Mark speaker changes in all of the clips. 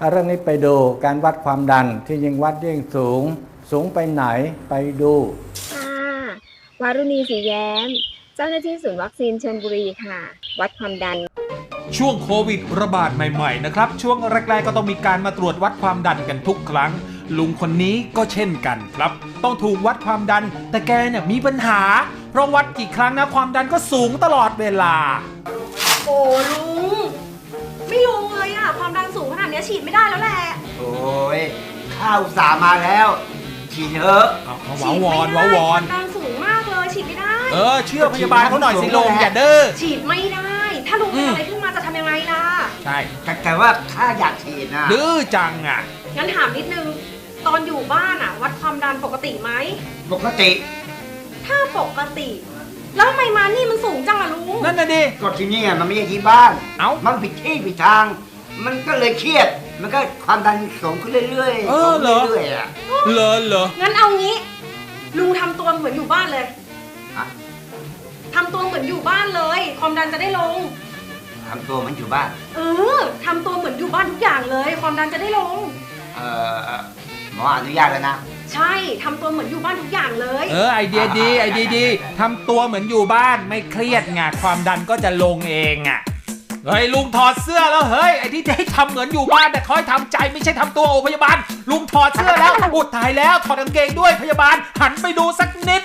Speaker 1: เรื่องนี้ไปดูการวัดความดันที่ยิ่งวัดยิ่งสูงไปไหนไปดู
Speaker 2: ค่ะวารุณีศรีแย้มเจ้าหน้าที่ศูนย์วัคซีนชลบุรีค่ะวัดความดัน
Speaker 3: ช่วงโควิดระบาดใหม่ๆนะครับช่วงแรกๆก็ต้องมีการมาตรวจวัดความดันกันทุกครั้งลุงคนนี้ก็เช่นกันครับต้องถูกวัดความดันแต่แกเนี่ยมีปัญหาเพราะวัดกี่ครั้งนะความดันก็สูงตลอดเวลา
Speaker 4: โอ้ลุงไม่ลงเลยอะความดันสูงขนาดนี้ฉีดไม่ได้แล้วแหละ
Speaker 5: โอ้ยข้าวสามาแล้วฉีดเถอะ
Speaker 3: ว้าวอนความ
Speaker 4: ดันสูงมากเลยฉีดไม่ได้
Speaker 3: เชื่อพยาบาลเขาหน่อยสิลุงอย่าเด้อ
Speaker 4: ฉีดไม่ได้ถ้าลุงเป็นอะไรขึ้นมาจะทำยังไงล่ะ
Speaker 3: ใช่
Speaker 5: แต่ว่าถ้าอยากฉีดนะ
Speaker 3: ดื้อจังอ่ะ
Speaker 4: งั้นถามนิดนึงตอนอยู่บ้านอะวัดความดันปกติไหม
Speaker 5: ปกติ
Speaker 4: ถ้าปกติแล้วทำไมมานี่มันสูงจังอะลุง
Speaker 3: นั่นน่ะดิ
Speaker 5: ก็ที่นี่มันไม่ใช่ที่บ้าน
Speaker 3: มัน
Speaker 5: ผิดที่ผิดทางมันก็เลยเครียดมันก็ความดันสูงขึ้นเรื่อยๆ
Speaker 3: สูงเรื่
Speaker 5: อยๆอะ
Speaker 3: เหรอ
Speaker 4: งั้นเอางี้ลุงทำตัวเหมือนอยู่บ้านเลยทำตัวเหมือนอยู่บ้านเลยความดันจะได้ลง
Speaker 5: ทำตัวเหมือนอยู่บ้าน
Speaker 4: ทำตัวเหมือนอยู่บ้านทุกอย่างเลยความดันจะได้ลง
Speaker 5: หมออนุญาตแล้วนะ
Speaker 4: ใช่ทำตัวเหมือนอยู่บ้านทุกอย่างเลย
Speaker 3: ไอเดียดีทำตัวเหมือนอยู่บ้านไม่เครียดไงความดันก็จะลงเองอ่ะเฮ้ยลุงถอดเสื้อแล้วเฮ้ยไอ้ที่ให้ทำเหมือนอยู่บ้านแต่คอยทำใจไม่ใช่ทำตัวโอพยาบาลลุงถอดเสื้อแล้วอุดถ่ายแล้วถอดกางเกงด้วยพยาบาลหันไปดูสักนิด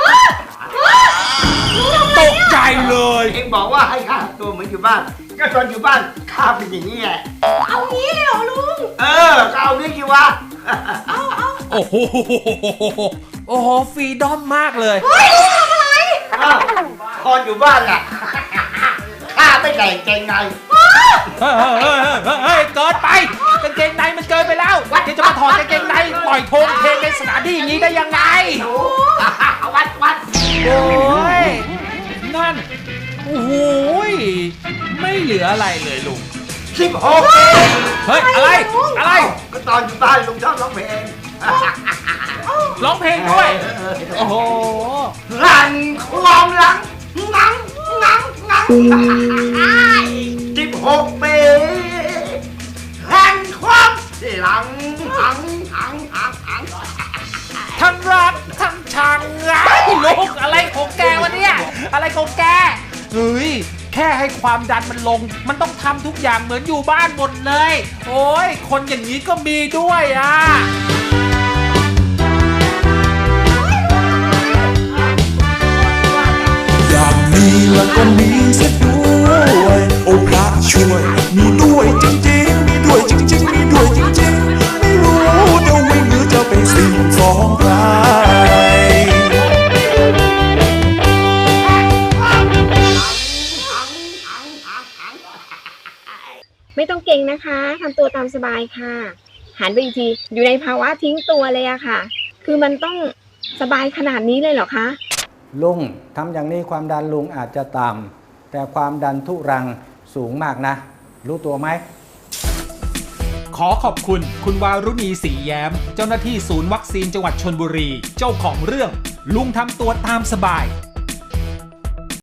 Speaker 3: ตกใจเลย
Speaker 5: เองบอกว่าให้ข้าตัวเหมือนอยู่บ้านก็ตอนอยู่บ้านข้าเป็นอย่างนี้แหละ
Speaker 4: เอางี้เลยเหรอลุง
Speaker 5: ก็เอาเรื่องกี่วะ
Speaker 3: โอ้โหฟรีดอมมากเลย
Speaker 4: เฮ้ยลุงทำอะไร
Speaker 5: ตอนอยู่บ้านล่ะข้าไม่ใส่กางเกงใน
Speaker 3: เฮ้ยเกินไปกางเกงในมันเกินไปแล้วเดี๋ยวจะมาถอดกางเกงในปล่อยโทงเทในสถานที่อย่างนี้ได้ยังไง
Speaker 5: วัด
Speaker 3: โอ้ยนั่นโอ้โหไม่เหลืออะไรเลยลุง
Speaker 5: 16
Speaker 3: เฮ้ยอะไร
Speaker 5: ก็ตอนอยู่บ้านลุงชอบร้องเพลง
Speaker 3: ร้องเพลงด้วยโอ้โห
Speaker 5: รันความหลังงัง16 ปีแห่งความหลัง
Speaker 3: ทั้งรักทั้งชังลูกอะไรของแกวะเนี่ยอะไรของแกเฮ้ยแค่ให้ความดันมันลงมันต้องทำทุกอย่างเหมือนอยู่บ้านหมดเลยโอ้ยคนอย่างนี้ก็มีด้วยอ่ะ
Speaker 6: อยากมีแล้วก็มีซะด้วยโอ้พระช่วยมีด้วยจริงๆมีด้วยจริงๆมีด้วยจริงๆไม่รู้จะวิ่งหรือจะเป็นสิ่งของใคร
Speaker 2: ไม่ต้องเก่งนะคะทำตัวตามสบายค่ะหันไปอีกทีอยู่ในภาวะทิ้งตัวเลยอะค่ะคือมันต้องสบายขนาดนี้เลยเหรอคะ
Speaker 1: ลุงทำอย่างนี้ความดันลุงอาจจะต่ำแต่ความดันทุรังสูงมากนะรู้ตัวไหม
Speaker 3: ขอขอบคุณคุณวารุณีศรีแย้มเจ้าหน้าที่ศูนย์วัคซีนจังหวัดชลบุรีเจ้าของเรื่องลุงทำตัวตามสบาย